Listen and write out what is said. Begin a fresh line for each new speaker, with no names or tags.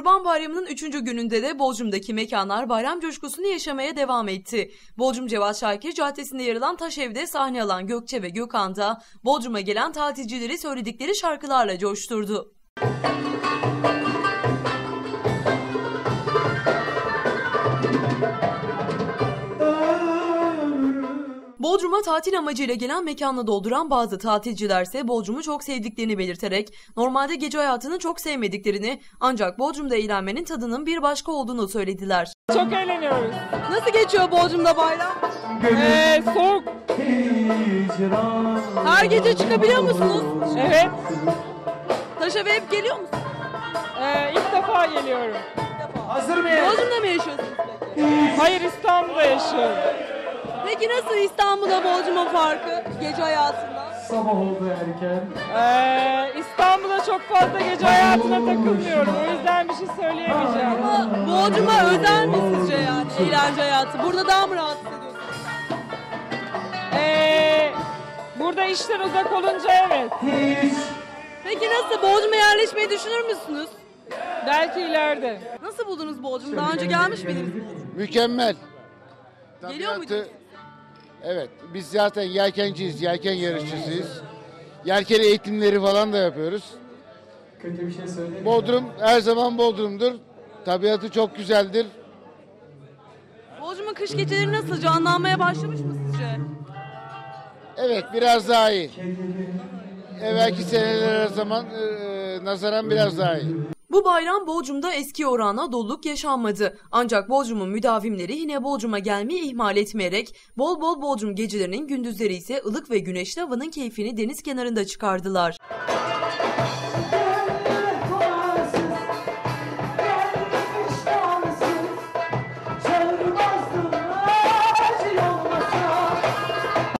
Kurban Bayramı'nın 3. gününde de Bodrum'daki mekanlar bayram coşkusunu yaşamaya devam etti. Bodrum Cevat Şakir Caddesi'nde yer alan Taşev'de sahne alan Gökçe ve Gökhan da Bodrum'a gelen tatilcileri söyledikleri şarkılarla coşturdu. Bodrum'a tatil amacıyla gelen mekanla dolduran bazı tatilcilerse Bodrum'u çok sevdiklerini belirterek normalde gece hayatını çok sevmediklerini ancak Bodrum'da eğlenmenin tadının bir başka olduğunu söylediler.
Çok eğleniyoruz.
Nasıl geçiyor Bodrum'da bayram?
Soğuk.
Her gece çıkabiliyor musunuz?
Evet.
Taşev'e hep geliyor musunuz?
İlk defa geliyorum.
Hazır mıyız?
Bodrum'da mı yaşıyorsunuz peki?
Hayır, İstanbul'da yaşıyorum.
Peki nasıl İstanbul'da Bodrum'un farkı gece hayatında?
Sabah oldu erken.
İstanbul'da çok fazla gece hayatına takılmıyorum. O yüzden bir şey söyleyemeyeceğim.
Ama Bodrum'a özel mi sizce yani eğlence hayatı? Burada daha mı rahat hissediyorsunuz?
Burada işten uzak olunca evet.
Peki nasıl? Bodrum'a yerleşmeyi düşünür müsünüz?
Belki ileride.
Nasıl buldunuz Bodrum'u? Daha önce gelmiş miydiniz?
Mükemmel.
Geliyor muydunuz?
Evet, biz zaten yelkenciyiz, yelken yarışçısıyız. Yelken eğitimleri falan da yapıyoruz.
Kötü bir şey söyleyeyim.
Bodrum her zaman Bodrum'dur. Tabiatı çok güzeldir.
Bodrum'un kış geceleri nasıl? Canlanmaya başlamış mı sizce?
Evet, biraz daha iyi. Evvelki senelere nazaran biraz daha iyi.
Bu bayram Bodrum'da eski oranla doluluk yaşanmadı. Ancak Bodrum'un müdavimleri yine Bodrum'a gelmeyi ihmal etmeyerek bol bol Bodrum gecelerinin gündüzleri ise ılık ve güneşli havanın keyfini deniz kenarında çıkardılar.